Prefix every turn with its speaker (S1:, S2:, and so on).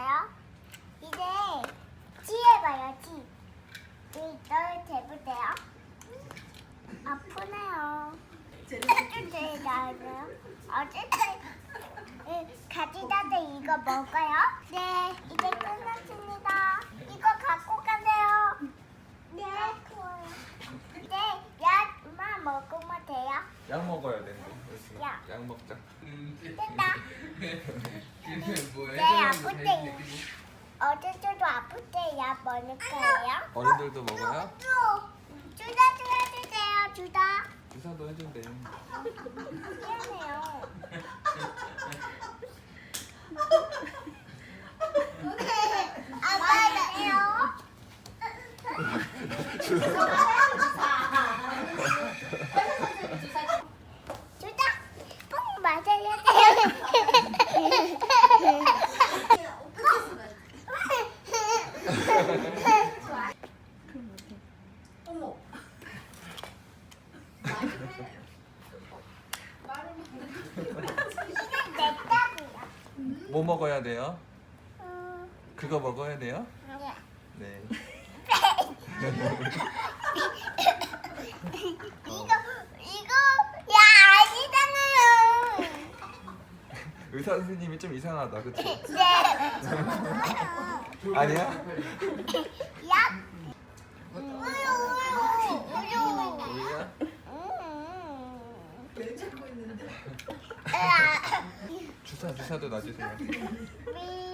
S1: 해볼까요? 이제 찌해봐요, 찌. 이걸 재보세요. 아프네요. 좀 재봐요. 어쨌든 가지다들 이거 먹어요? 네, 이제 끝났습니다. 이거 갖고 가세요. 네. 네, 약만 먹으면 돼요.
S2: 약 먹어야 되는데.
S1: 약.
S2: 약 먹자.
S1: 됐다.
S3: 뭐야?
S1: 네, 아플 때 어제도 아플 때 약 먹을 거예요.
S2: 어른들도 먹어요?
S1: 주다 주세요. 주다.
S2: 주사도 해준대.
S1: 미안해요. 아빠예요. 주다. 꼭 맞아야 돼요.
S4: 어머.
S1: 이건 내 떡이야.
S2: 뭐 먹어야 돼요? 그거 먹어야 돼요?
S1: 네.
S2: 네.
S1: 이거 야 아니잖아요.
S2: 의사 선생님이 좀 이상하다, 그치?
S1: 네.
S2: 아니야?
S1: 약. 우유.
S2: 우리가?
S4: 왜 잡고 있는데?
S1: 으아.
S2: 주사도 놔주세요.
S1: 미.